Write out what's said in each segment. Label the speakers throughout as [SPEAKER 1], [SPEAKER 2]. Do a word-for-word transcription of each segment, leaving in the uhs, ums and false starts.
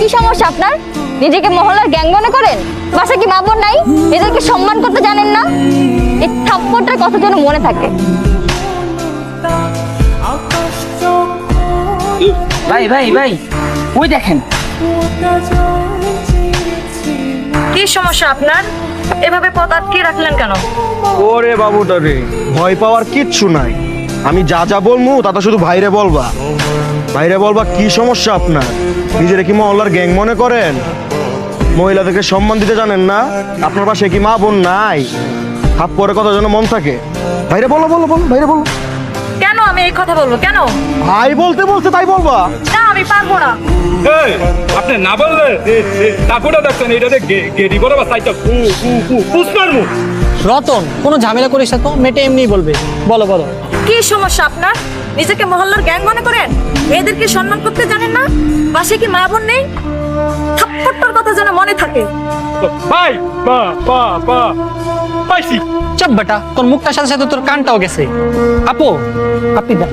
[SPEAKER 1] সমস্যা আপনার? নিজেকে মহল্লার গ্যাং মনে করেন? বাসা কি মা বোন নাই? এদেরকে সম্মান করতে জানেন না? এই থাপ্পড়টার কথা যেন মনে থাকে।
[SPEAKER 2] ভাই ভাই ভাই ওই দেখেন।
[SPEAKER 3] কি সমস্যা আপনার? এভাবে পথ আটকে রাখলেন কেন?
[SPEAKER 4] ওরে বাবুটা রে, ভয় পাওয়ার কিচ্ছু নাই। আমি যা যা বলবো তা তো শুধু ভাইরে বলবা। ভাইরে বলবা কি সমস্যা আপনার? নিজেরা কি মহল্লার গ্যাং মনে করেন? মহিলাদেরকে সম্মান দিতে জানেন না? আপনার পাশে কি মা বোন নাই? হাত পরে কথা যেন মন থাকে। ভাইরে বলো বলো বলো ভাইরে বলো।
[SPEAKER 3] কেন আমি এই কথা বলবো? কেন?
[SPEAKER 4] ভাই বলতে বলছে তাই বলবা?
[SPEAKER 3] না, আমি পারবো না।
[SPEAKER 5] এই, আপনি না বললে তারপরে দেখছেন এটাতে গেড়ি বড় বা সাইডটা ফু ফু ফু ফুস মারমু।
[SPEAKER 6] রতন, কোনো ঝামেলা করিস না তো, মেয়েটা এমনিই বলবে। বলো বলো।
[SPEAKER 3] কি সমস্যা আপনার? নিজেকে মহল্লার গ্যাং মনে করেন? মেয়েদেরকে সম্মান করতে জানেন না? পাশে কি মা বোন নেই? থাপ্পড়টার কথা যেন মনে থাকে।
[SPEAKER 5] ভাই বা বা বা পাইছি।
[SPEAKER 6] চাপ বেটা, তোর মুখটার সাথে সাথে তোর কানটাও গেছে। আপু, আপনি দেন।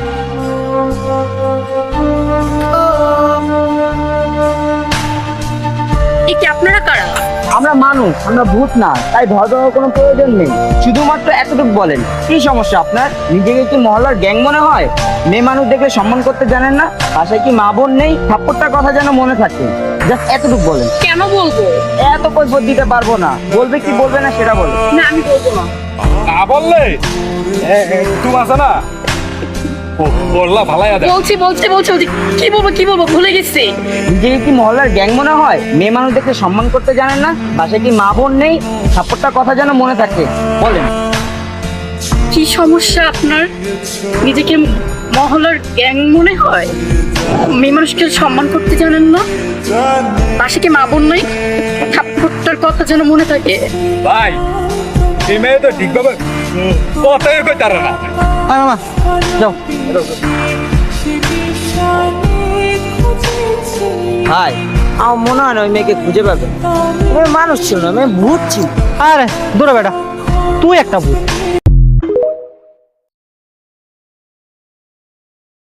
[SPEAKER 3] এ কি আপনারা কারা?
[SPEAKER 2] আমরা মানুষ, আমরা ভূত না, তাই ভয় পাওয়ার কোনো প্রয়োজন নেই। শুধুমাত্র এতটুকু বলেন, কি সমস্যা আপনার? নিজেকে কি মহল্লার গ্যাং মনে হয়? মেয়ে মানুষ দেখলে সম্মান করতে জানেন না? পাশে কি মা বোন নেই? থাপ্পড়টার কথা যেন মনে থাকে। জাস্ট এতটুকু বলেন।
[SPEAKER 3] কেন বলবো?
[SPEAKER 2] এত কৈফিয়ত দিতে পারবো না। বলবে কি বলবে না সেটা বলে।
[SPEAKER 3] না, আমি বলবো না।
[SPEAKER 5] না বললে তুমি আছে না বললা ভালাই আদা।
[SPEAKER 3] বলছি বলছি বলছি বলছি। কি বলবো কি বলবো ভুলে গেছি।
[SPEAKER 2] নিজেকে কি মহল্লার গ্যাং মনে হয়? মেয়ে মানুষ দেখলে সম্মান করতে জানেন না? পাশে কি মা বোন নেই? থাপ্পড়টার কথা যেন মনে থাকে। বলেন।
[SPEAKER 3] কি সমস্যা আপনার? নিজেকে মহল্লার গ্যাং মনে হয়? মেয়ে মানুষকে সম্মান করতে জানেন না? পাশে কি মা বোন নাই? থাপ্পড়টার কথা যেন মনে থাকে।
[SPEAKER 5] ভাই এই মেয়ে তো ঠিকভাবে কথাই কই তারা না।
[SPEAKER 6] আয় মামা, যাও।
[SPEAKER 2] হাই, আমার মনে হয় না ওই মেয়েকে খুঁজে পাবে। ওই মানুষ ছিল না, মেয়ে ভূত ছিল।
[SPEAKER 6] আরে দূরে বেটা, তুই একটা ভূত।